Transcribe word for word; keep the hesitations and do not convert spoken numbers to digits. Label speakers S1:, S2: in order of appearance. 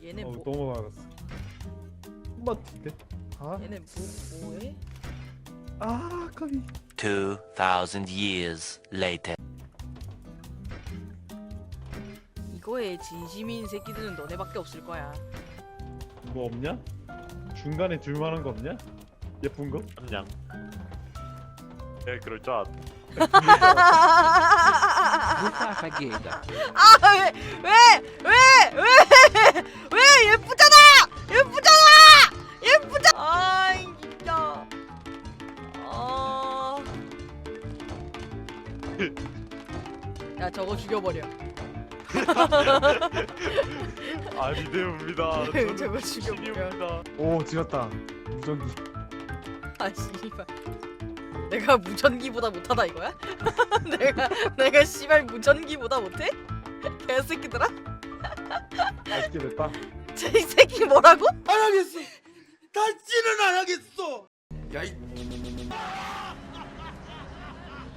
S1: 얘네
S2: 어,
S1: 뭐?
S2: 너무 많았어. 한마디인데? 아,
S1: 얘네 뭐 뭐해?
S2: 아, 까비.
S3: Two thousand years later.
S1: 이거에 진심인 새끼들은 너네밖에 없을 거야.
S2: 뭐 없냐? 중간에 줄만한 거 없냐? 예쁜 거?
S4: 그냥. 예, 그럴 줄 알았다.
S1: 아왜왜왜왜왜왜 예쁘잖아 예쁘잖아 예쁘잖아 아 진짜 아야 저거 죽여버려
S4: 아니 대우입니다.
S1: 저거 죽여버려
S4: 신입니다.
S2: 오, 지렸다. 무전기.
S1: 아 씨발 내가 무전기보다 못하다 이거야? 내가 내가 씨발 무전기보다 못해? 개새끼들아?
S2: 맛있게 됐다.
S1: 저 이 새끼 뭐라고?
S5: 안 하겠어. 다시는 안 하겠어. 야 이.